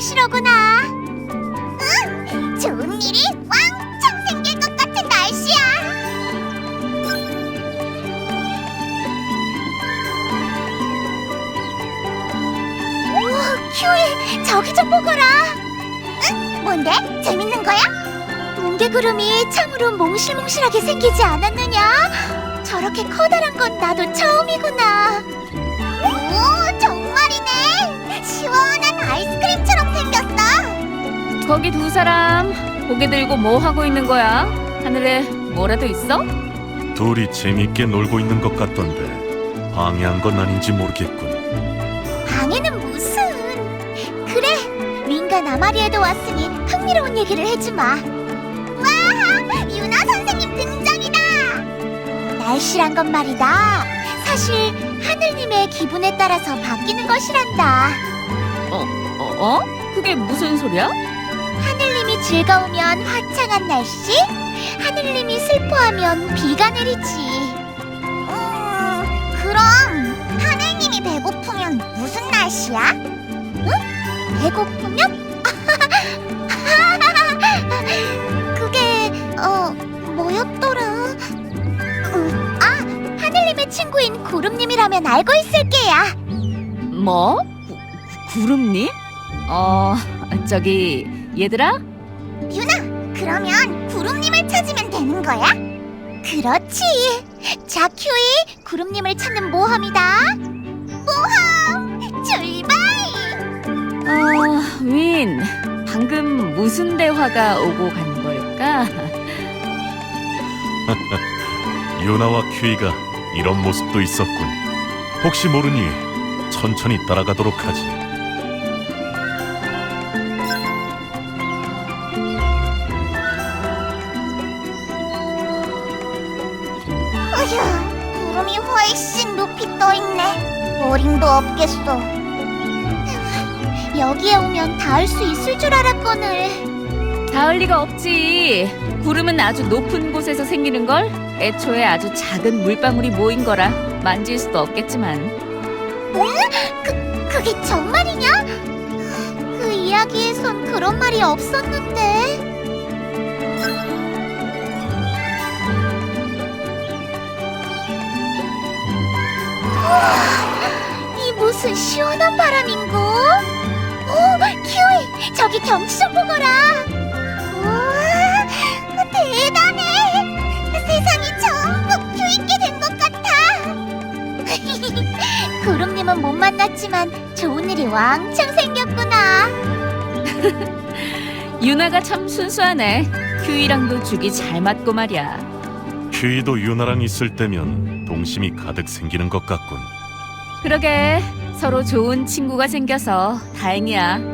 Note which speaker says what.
Speaker 1: 날씨로구나. 응, 좋은 일이 왕창 생길 것 같은 날씨야. 우와, 큐이, 저기 좀 보거라. 응? 뭔데? 재밌는 거야? 뭉게구름이 참으로 몽실몽실하게 생기지 않았느냐? 저렇게 커다란 건 나도 처음이구나. 오, 정말이네. 시원한 아이스크림처럼 생겼어.
Speaker 2: 거기 두 사람 고개 들고 뭐 하고 있는 거야? 하늘에 뭐라도 있어?
Speaker 3: 둘이 재밌게 놀고 있는 것 같던데 방해한 건 아닌지 모르겠군.
Speaker 1: 방해는 무슨. 그래, 윙과 나마리에도 왔으니 흥미로운 얘기를 해주마. 와, 유나 선생님 등장이다. 날씨란 건 말이다, 사실 하늘님의 기분에 따라서 바뀌는 것이란다.
Speaker 2: 그게 무슨 소리야?
Speaker 1: 하늘님이 즐거우면 화창한 날씨, 하늘님이 슬퍼하면 비가 내리지. 그럼 하늘님이 배고프면 무슨 날씨야? 응? 배고프면? 그게 뭐였더라? 하늘님의 친구인 구름님이라면 알고 있을 게야.
Speaker 2: 뭐? 구름님? 저기 얘들아?
Speaker 1: 유나, 그러면 구름님을 찾으면 되는 거야? 그렇지. 자, 큐이, 구름님을 찾는 모험이다. 모험 출발!
Speaker 2: 윈, 방금 무슨 대화가 오고 간 걸까?
Speaker 3: 유나와 큐이가 이런 모습도 있었군. 혹시 모르니 천천히 따라가도록 하지.
Speaker 1: 어휴, 구름이 훨씬 높이 떠있네. 어림도 없겠어. 여기에 오면 닿을 수 있을 줄 알았거늘.
Speaker 2: 닿을 리가 없지. 구름은 아주 높은 곳에서 생기는 걸. 애초에 아주 작은 물방울이 모인 거라 만질 수도 없겠지만.
Speaker 1: 응? 그게 정말이냐? 그 이야기에선 그런 말이 없었는데. 이 무슨 시원한 바람인고? 오, 큐이, 저기 경치 좀 보거라. 우와, 대단해. 세상이 전부 큐있게 된 것 같아. 구름님은 못 만났지만 좋은 일이 왕창 생겼구나.
Speaker 2: 유나가 참 순수하네. 큐이랑도 죽이 잘 맞고 말이야.
Speaker 3: 큐이도 유나랑 있을 때면 동심이 가득 생기는 것 같군.
Speaker 2: 그러게, 서로 좋은 친구가 생겨서 다행이야.